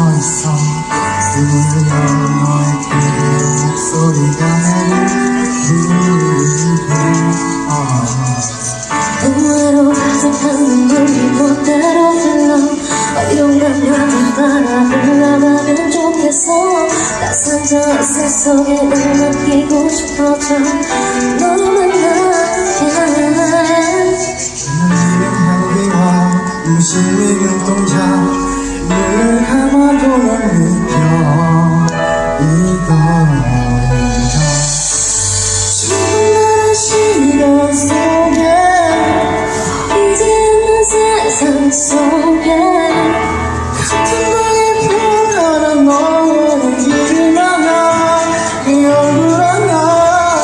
있어 들려 너의 그리운 목소리가 나를 부르네 동화로 가득한 눈물이 멋대로 흘러 어디론가 나를 따라 흘러가면 좋겠어 따스한 저 햇살 속에 느끼고 싶어져 너 만나게 오늘은 향기와 무심히 눈동자 늘 감아도 못 느껴 이거인가 추운 시간 속에 이제는 세상 속에 같은 방에 변하는 너는 길을 만나 네 얼굴 하나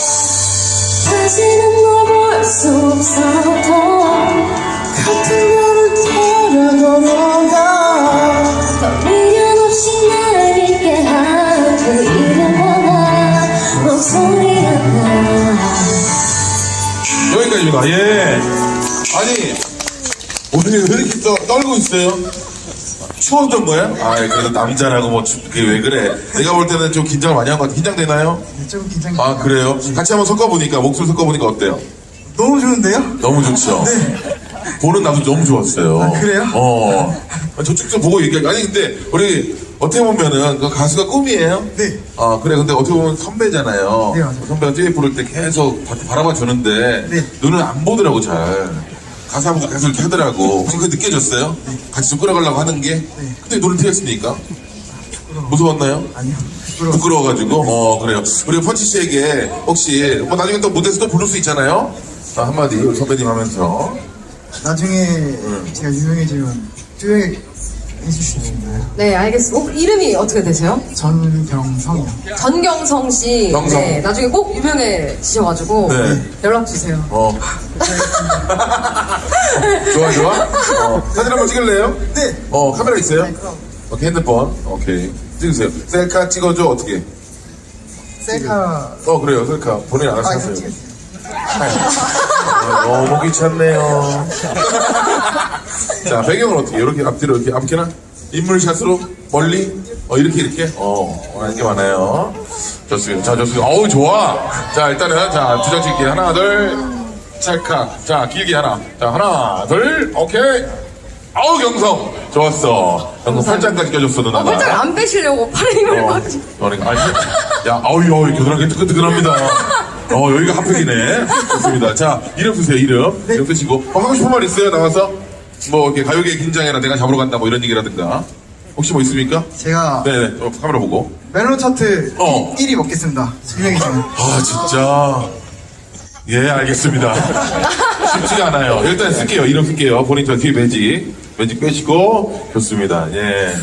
다시는 널 볼 수 없어도 같은 별을 따라 걸어가 더 미련 없이 날 믿게 한 그 이름보다 목소리가 나 여기까지입니다. 예. 아니, 오늘 왜 이렇게 떨고 있어요? 추웠던 거야? 아, 그래도 남자라고 뭐, 그게 왜 그래? 내가 볼 때는 좀 긴장을 많이 한 것 같아. 긴장되나요? 좀 긴장이 아, 그래요? 같이 한번 섞어보니까, 목소리 섞어보니까 어때요? 너무 좋은데요? 너무 좋죠? 네. 보는 나도 너무 좋았어요. 아, 그래요? 저쪽 좀 보고 얘기해. 아니, 근데, 우리, 어떻게 보면은, 그 가수가 꿈이에요? 네. 아, 그래. 근데 어떻게 보면 선배잖아요. 네, 맞아요. 선배가 듀엣 부를 때 계속 바라봐 주는데, 네. 눈을 안 보더라고, 잘. 가사 한번 계속 이렇게 하더라고. 혹시 그게 느껴졌어요? 같이 좀 끌어가려고 하는 게? 근데 눈을 트였으니까? 무서웠나요? 아니요 부끄러워가지고? 그래요. 우리 펀치 씨에게 혹시, 뭐 나중에 또 무대에서 또 부를 수 있잖아요? 자, 한마디, 우리 선배님 하면서. 나중에 제가 유명해지면 듀엣 해주시나요? 네, 알겠습니다. 이름이 어떻게 되세요? 전경성이요. 전경성 씨. 경성. 네, 나중에 꼭 유명해지셔가지고 네. 연락 주세요. 좋아, 좋아? 사진 한번 찍을래요? 네. 카메라 있어요? 그럼. 오케이, 핸드폰. 오케이. 찍으세요. 셀카 찍어줘, 어떻게? 셀카 그래요, 셀카. 본인 알아서 아 하세요. 이거 너무 귀찮네요. 자, 배경은 어떻게? 이렇게 앞뒤로 이렇게 앞이나 인물샷으로 멀리? 이렇게? 하는 게 많아요. 좋습니다. 자, 좋습니다. 어우, 좋아. 자, 일단은, 자, 두 장 찍기. 하나, 둘, 찰칵. 자, 길게 하나. 자, 하나, 둘, 오케이. 아우, 경성. 좋았어. 경성 팔짱까지 껴줬어, 누나가. 팔짱 안 빼시려고 팔에 힘을 막. 그러니까, 아니, 야, 아우, 겨드랑이 뜨끈뜨끈합니다. 여기가 핫팩이네. 좋습니다. 자, 이름 쓰세요, 이름. 이름 쓰시고. 하고 싶은 말 있어요, 나와서? 뭐, 이렇게 가요계 긴장해라, 내가 잡으러 간다, 뭐 이런 얘기라든가. 혹시 뭐 있습니까? 제가 네네, 카메라 보고. 멜론 차트 어. 1위 먹겠습니다. 유명해지면. 아, 진짜. 예, 알겠습니다. 쉽지가 않아요. 일단 쓸게요, 이름 쓸게요. 본인 저 뒤에 매직 빼시고. 좋습니다, 예.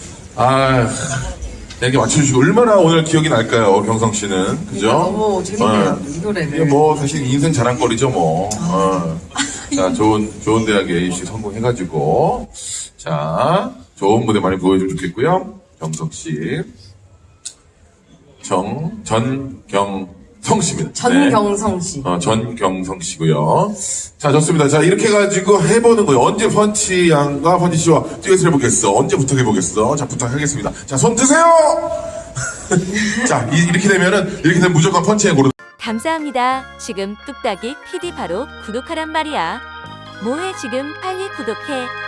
이렇게 맞춰주시고 얼마나 오늘 기억이 날까요, 경성 씨는, 그죠? 너무 재밌네요, 이 노래를. 이게 뭐 사실 인생 자랑거리죠, 뭐. 자, 좋은 대학에 입시 성공해가지고, 자, 좋은 무대 많이 보여주면 좋겠고요. 경성 씨, 전경성 씨입니다. 전경성 씨. 전경성 씨고요. 자, 좋습니다. 자, 이렇게 해가지고 해보는 거예요. 언제 펀치 양과 펀치 씨와 듀엣을 해보겠어? 언제 부탁해보겠어? 자, 부탁하겠습니다. 자, 손 드세요! 자, 이렇게 되면 무조건 펀치에 고르는. 감사합니다. 지금 뚝딱이 PD 바로 구독하란 말이야. 뭐해 지금 빨리 구독해.